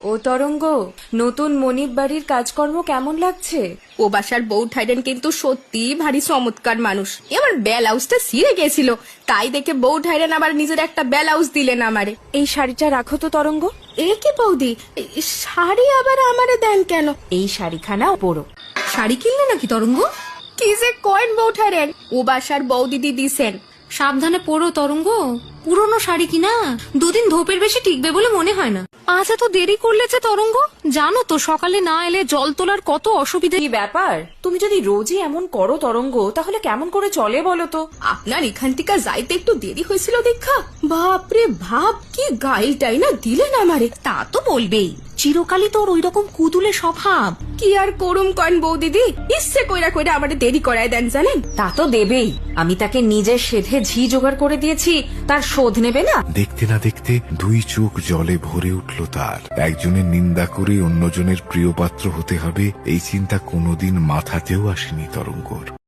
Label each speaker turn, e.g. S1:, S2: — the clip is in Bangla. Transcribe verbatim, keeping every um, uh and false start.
S1: ও তরঙ্গ, নতুন মনিব বাড়ির কাজকর্ম কেমন লাগছে?
S2: ও বাসার বউ ঠাইরেন কিন্তু সত্যি ভারী চমৎকার মানুষ। এবার ব্লাউজটা ছিঁড়ে গেছিল, তাই দেখে বউ ঠাইরেন আবার নিজের একটা ব্লাউজ দিলেন আমারে।
S1: এই শাড়িটা রাখো তো তরঙ্গ।
S2: এ কি বৌদি, শাড়ি আবার আমারে দেন কেন?
S1: এই শাড়িখানা পরো।
S2: শাড়ি কিনলে নাকি তরঙ্গ? কি যে কয়েন বউ ঠাইরেন, ও বাসার বউ দিদি দিছেন।
S3: সাবধানে পড়ো তরঙ্গ, পুরনো শাড়ি কিনা দুদিন ধোপের বেশি টিকবে বলে মনে হয় না। আজ এত দেরি করলে যে তরঙ্গ, জানো তো সকালে না এলে জল তোলার কত অসুবিধা।
S1: কি ব্যাপার, তুমি যদি রোজই এমন করো তরঙ্গ, তাহলে কেমন করে চলে বলো তো?
S2: আপনার এখান থেকে যাইতে একটু দেরি হয়েছিল দেখা, বাপরে ভাব কি গাইলটাই না দিলেন আমারে।
S3: তা তো বলবেই, চিরকালই তোর ওই রকম কুতুলে স্বভাব।
S2: কি আর করুম কন বউ দিদি, ইচ্ছে কইরা কইরা আমারে দেরি করায় দেন জানেন।
S1: তা তো দেবেই, আমি তাকে নিজের সেধে ঝি জোগাড় করে দিয়েছি, তার শোধ নেবে না?
S4: দেখতে না দেখতে দুই চোখ জলে ভরে উঠল তার। একজনের নিন্দা করে অন্যজনের প্রিয় পাত্র হতে হবে, এই চিন্তা কোনোদিন মাথাতেও আসেনি তরঙ্গর।